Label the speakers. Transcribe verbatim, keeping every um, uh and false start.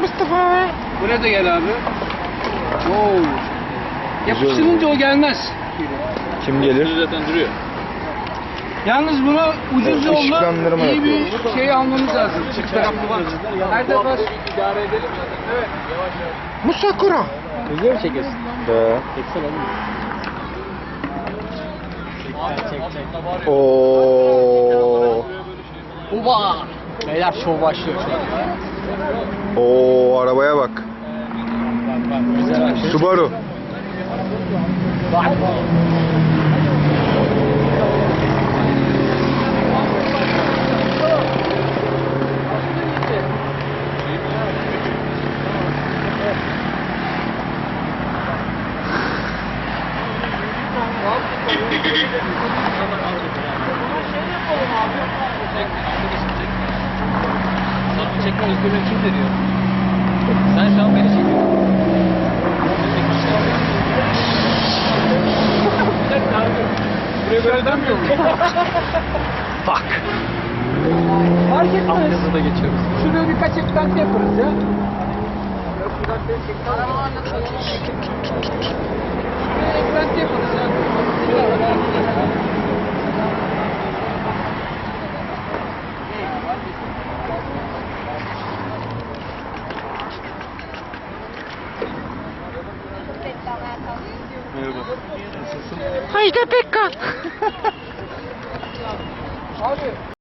Speaker 1: Mustafa.
Speaker 2: Buraya da gel abi. Oo. Yapıştırınca o gelmez.
Speaker 1: Kim gelir?
Speaker 3: Zaten duruyor.
Speaker 2: Yalnız bunu ucuz
Speaker 1: Evet,
Speaker 2: yolla
Speaker 1: ışıklandırma
Speaker 2: iyi bir
Speaker 1: yapıyoruz.
Speaker 2: şey almamız lazım. Çift taraflı var. Her defa
Speaker 3: idare edelim zaten. Evet. Yavaş yavaş.
Speaker 1: Musakura.
Speaker 3: Video mu çekiyorsun?
Speaker 1: Be.
Speaker 3: Çeksene oğlum. Çek çek çek.
Speaker 1: Oo.
Speaker 3: Uba! Beyler şov başlıyor şu an.
Speaker 1: Oo, arabaya bak.
Speaker 3: Bak bak güzel açıyor.
Speaker 1: Subaru.
Speaker 3: Bak. Sana çekme özgürlüğü kim veriyor? Sen şu an beni çekiyorsun. Bir dakika abi. Buraya böyle dönmüyor mu? Fuck.
Speaker 2: fark etmez.
Speaker 3: Altyazı da geçiyoruz.
Speaker 2: Şuraya birkaç eklenti yaparız ya. Eklenti yaparız ya.
Speaker 3: Merhaba. Nasılsın?
Speaker 1: Haydi Pekkan.
Speaker 2: Abi